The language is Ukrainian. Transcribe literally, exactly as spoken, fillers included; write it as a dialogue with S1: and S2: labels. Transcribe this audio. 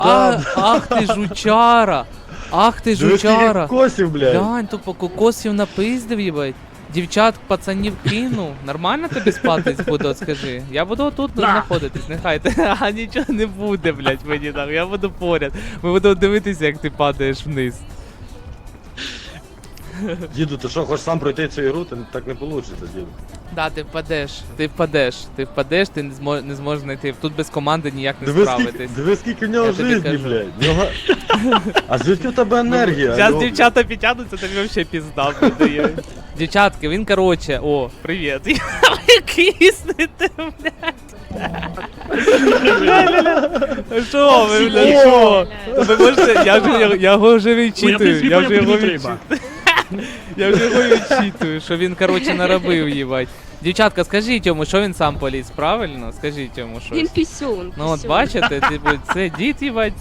S1: А, ах ти жучара! Ах ти жучара!
S2: Косів, блядь.
S1: Глянь, тупо кокосів напиздив, їбать. Дівчат, пацанів кинув. Нормально тобі спатись буде, от скажи. Я буду тут знаходитись, нехай ти. А нічого не буде, блядь, мені так. Я буду поряд. Ми будемо дивитися, як ти падаєш вниз.
S2: Діду, ти що, хочеш сам пройти цю ігру? Ти так не вийде, діду.
S1: Да, ти впадеш, ти впадеш, ти впадеш, ти не зможеш не зможеш знайти. Тут без команди ніяк не
S2: Диви скільки,
S1: справитись.
S2: диви скільки в нього
S1: Я тобі
S2: житті,
S1: кажу.
S2: блядь. В Нього... А звідки в тебе енергія?
S1: Зараз
S2: Алло?
S1: дівчата підтягнуться, тобі взагалі пізда буде. Дівчатки, він короче, о, привіт. Ви киснете, блядь. Що ви, блядь, що? Ви можете, я вже його- я його вже відчитую, я вже його відчитую. Я вже його відчитую, що він, короче, наробив, їбать. Дівчатка, скажіть йому, що він сам поліз, правильно? Скажіть йому щось.
S3: Він пісюн.
S1: Ну от
S3: пісюн.
S1: бачите, типу, це дід, їбать.